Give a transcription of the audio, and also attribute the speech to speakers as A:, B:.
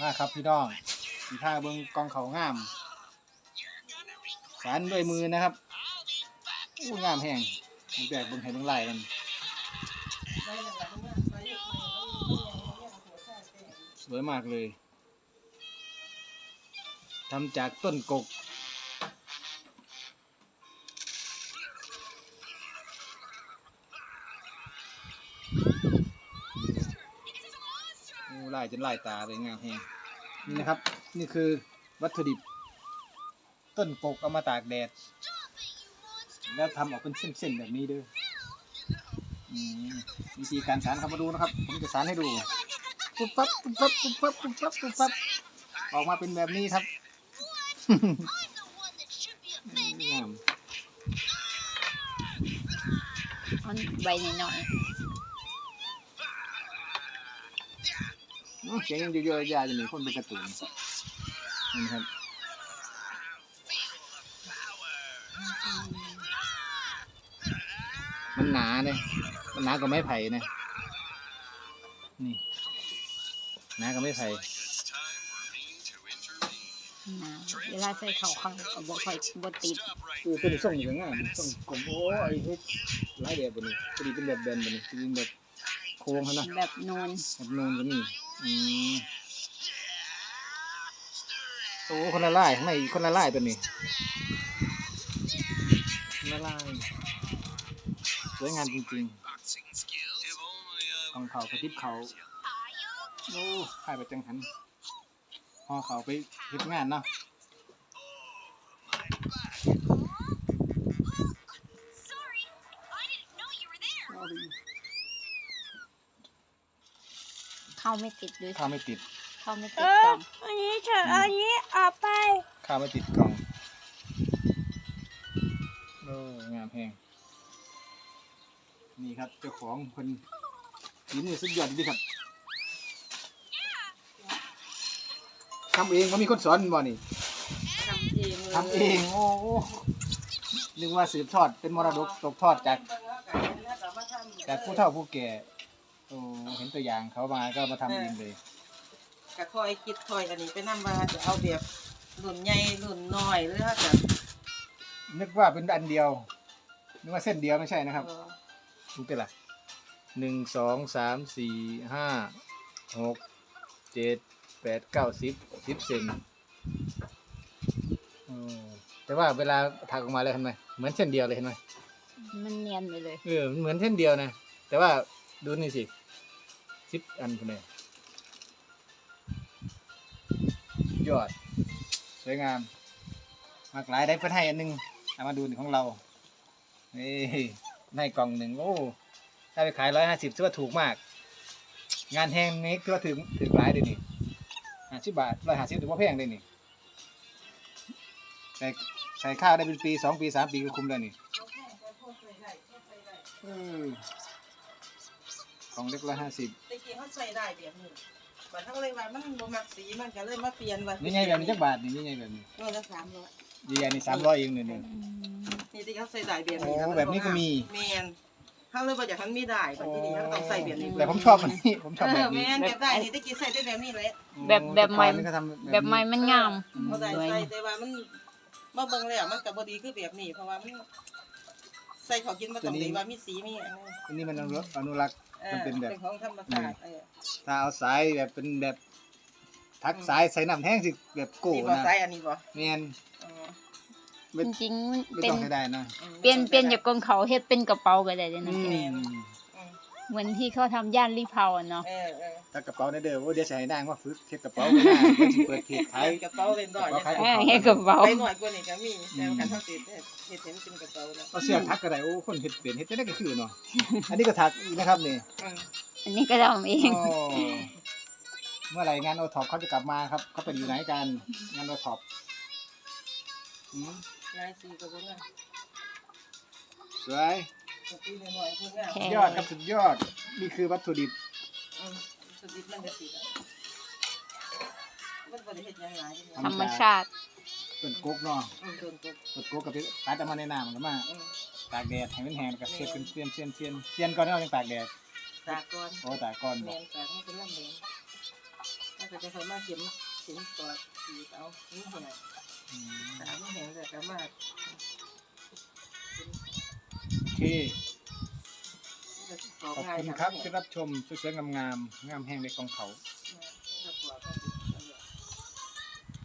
A: มาครับพี่น้องสีผ้าเบิ้งกองเขางามสานด้วยมือนะครับอู้งามแห้งมีแบบเบิ้งให้เบิ้งลายมันสวยมากเลยทำจากต้นกกลายจนลายตาเลยงามแห้งนี่นะครับนี่คือวัตถุดิบต้นกกเอามาตากแดดแล้วทำออกเป็นเส้นๆแบบนี้ด้วยวิธีการสานเข้ามาดูนะครับผมจะสานให้ดูปุ๊บปั๊บปุ๊บปั๊บปุ๊บปั๊บปุ๊บปั๊บปุ๊บปั๊บออกมาเป็นแบบนี้ครับงาม
B: ใบหน่อย
A: เสียงยังเยอะๆยาจะมีคนเป็นกระตุ้นนี่ครับมันหนาเนี่ยมันหนากว่าไม้ไผ่เนี่ยนี่หนากว่าไม้ไผ่
B: เวลาใส่เข่าข้างก็บ่ค่อยบ่ติด
A: ตัวนี้ส่งอย่างง่ายส่งกลมโอ้ไอ้เฮ็ดหลายแบบบนนี้ตัวนี้เป็นแบบแบนบนนี้ตัวนี้แบบโค้งเขานะ
B: แบบนูน
A: ก็มีโอ้คนละลายข้างในคนละลายตัวนี้คนละลายสวยงามจริงๆของเขากระติบเขาโอ้ขายไปจังหันพอเขาไปเฮ็ดงานเนาะ
B: เข้าไม่ติดด้วย
A: ข้าวไม่ติด
B: เข้าไม่ติดกล่อง
C: อันนี้ฉันอันนี้เอาไป
A: ข้าวไม่ติดกล่องโอ้งามแพงนี่ครับเจ้าของคนฝีมือสุดยอดดีครับทำเองเขามีคนสอนบ่นี่ทำเองโอ้นึกว่าสืบทอดเป็นมรดกตกทอดจากผู้เฒ่าผู้แก่โอ้เห็นตัวอย่างเขามาก็มาทำเองเลย
C: ก็คอยคิดคอยอันนี้ไปนำว่าจะเอาแบบรุ่นใหญ่รุ่นน้อยหรือว่าจะ
A: นึกว่าเป็นอันเดียวนึกว่าเส้นเดียวไม่ใช่นะครับดูเป็นไร1 2 3 4 5 6 7 8 9 10 เซนแต่ว่าเวลาถักออกมาเลยเห็นไหมเหมือนเส้นเดียวเลยเห็นไหม
B: มันเนียนไปเลย
A: เหมือนเส้นเดียวนะแต่ว่าดูนี่สิ10 อันคนนี้ยอดสวยงามมากหลายได้เพื่อให้อันนึงเอามาดูของเรานี่ให้กล่องหนึ่งโอ้ถ้าไปขาย150ถือว่าถูกมากงานแห้งนี้ถือว่าถึงหลายเลยนี่50 บาท150ถือว่าแพงเลยนี่ใส่ข้าวได้เป็นปี2 ปี 3 ปีก็คุ้มเลยนี่ของเล็ก150
C: ตะกี้เขาใส่ได้แบบนี้บัดเท่าไรว่ามันบ่มักสีมันก็เลยมาเปลี่ยนว่า
A: นี่ไงแบบนี้จักบาทนี่ไงแบบนี้
C: ตัวละ300
A: ดีอันนี้300เองนี่
C: นี่ที่เขาใส่ได้แบบนี้
A: แบบนี้ก็มี
C: แม่นเขาเลยบ่อยากให้มันมีได้บัดนี้เขาต้องใส่แบบนี้
A: แต่ผมชอบอันนี้ผมชอบแบบนี้
C: แม่นแบบได้นี่ตะกี้ใส่ได้แบบนี้แหละ
B: แบบใหม่แบบใหม่มันงาม
C: บ่ได้ใส่แต่ว่ามันมาเบิ่งแล้วมันก็บ่ดีคือแบบนี้เพราะว่ามันใส่เขากินบ่ต้องดีว่ามีสีมี
A: อันนี้มันอนุรักษ์มันเป็นแบบ
C: ของธรรมชาติ
A: ถ้าเอาสายแบบเป็นแบบทักสายใส่น้ำแห้งสิแบบโก้นะ
C: สายอันนี้บ่
A: แม่น
B: จริงๆ
A: เป็นได้นะ
B: เปลี่ยนจากกองเขาเฮ็ดเป็นกระเป๋าก็ได้นะเหมือนที่เขาทำย่านรีเพาเนาะ
A: ถ้ากระเป๋าในเด้อว่าเดี๋ยวใส่นางว่าฝึกเฮ็ดกระเป๋าไม่ได้เปิดเพจขาย
C: กระเป๋าเล่นดอย
B: เฮ็ดกระเป๋า
C: ไปหน่อยกว่านี้ก็มีแต่การทำติดเฮ็ดเป็นกระเป๋าแล้ว
A: เอาเสื้อทักก็ได้โอ้คนเฮ็ดเป็นเฮ็ดได้ก็คือเนาะอันนี้ก็ทักอีกนะครับนี่
B: อันนี้ก็ทำเอง
A: เมื่อไหร่งานโอท็อปเขาจะกลับมาครับเขาเป็นอยู่ไหนกันงานโอท็อป
C: ลายสีก็บ่งาม
A: สวยยอดครับสุดยอดนี่คือวัตถุดิบ
C: สุดดิบมันจะสีมันบ่ได้เฮ็ดหยังหลาย
B: ธรรมชาติ
A: ต้นกกเนาะต้นกกกับตัดออกมาในน้ำมันก็มาตากแดดให้มันแห้งก็เสียบเป็นเสียนก่อนแล้วยังตากแดด
C: ตากก่อน
A: โอ้ตากก่อน
C: แม่นตากมันเป็นลำแดงมันก็จะค่อยมาเข็มตัวสีเอานี่แหง
A: อืม
C: ตาไม่แหงแต่ก็มา
A: โอเค
C: ขอ
A: ขอบ
C: ง่าย
A: คุณครับที่รับชมสวยๆงามๆงามแห้งในกองเขา
C: ๆ